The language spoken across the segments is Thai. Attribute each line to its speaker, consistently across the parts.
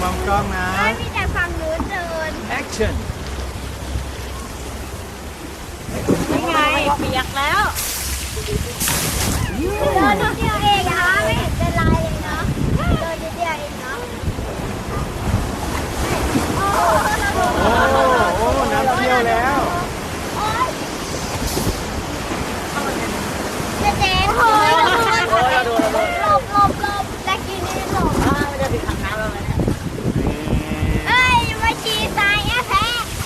Speaker 1: มองกล้องนะ
Speaker 2: มีแต่ฝั่งนู้นเดิน
Speaker 1: action
Speaker 3: ยังไงเปียกแล้ว
Speaker 2: เดินนิดเดียวเองนะไม่เห็นเป็นไรเลยเนาะเดินนิดเดียวเองเนาะโอ้
Speaker 1: โอ้น้ำเที่ยวแล้ว
Speaker 2: ยเจ๊โอ้ยหลบและกินนี่หลบ
Speaker 3: ไม่ได้ไปขังน้ำแล้วเนี่ย
Speaker 2: เอ้ยมาชีทรายแอะแพ้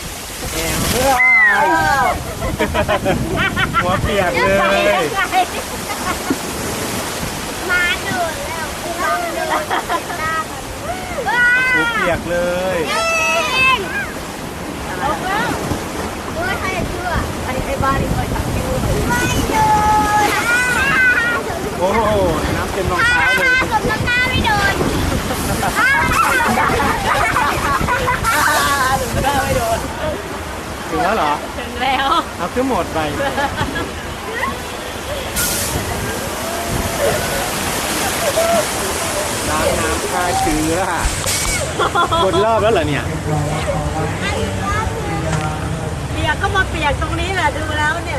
Speaker 1: หัวเปียกเลย
Speaker 2: มาดูดแล้วลองดูตาว้า
Speaker 1: หัวเปียกเลย
Speaker 2: เองลงแล้วโอ้ยใครจะเชื่อ
Speaker 3: ไอ้บ้านนี่คอยขังคิ้วหน่อย
Speaker 2: ไม่ดูด
Speaker 1: โอ้โหน้ำเต็มรองเท้าเลย
Speaker 2: สมน้ำหน้าไม่โดน
Speaker 3: ถึงได้ไม่โดน
Speaker 1: ถึงแล้วเหรอ
Speaker 3: ถึงแล้ว
Speaker 1: เอาขึ้นหมดไปล้างน้ำฆ่าเชื้อหมดรอบแล้วเหรอเนี่ย
Speaker 3: เปียกก็มาเปียกตรงนี้แหละดูแล้วเนี่ย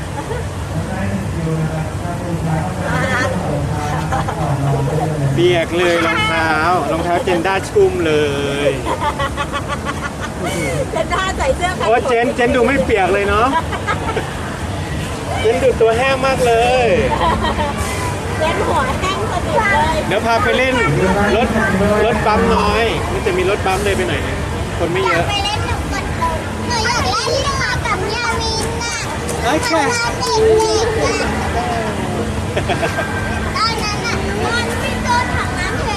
Speaker 1: เปียกเลยรองเท้าเจนด้าชุ่มเลย
Speaker 3: เจนด้าใส่เสื้อ
Speaker 1: โอ้เจนดูไม่เปียกเลยเนาะเจนดูตัวแห้งมากเลย
Speaker 3: เจนหัวแห้งสนิทเลย
Speaker 1: เดี๋ยวพาไปเล่นรถบัมน้อยมันจะมีรถบัมเลยไปหน่อยนึงคนไม่
Speaker 2: อ
Speaker 1: เย
Speaker 2: ยาก
Speaker 1: อะ
Speaker 2: ไปเล่นหนูกดลงหนูอยากเล่นเรือกับยามินน่ะ
Speaker 1: โอเค
Speaker 2: เด็กๆน่ะตอนนั้นน่ะมันไม่โดนถังน้ำแข็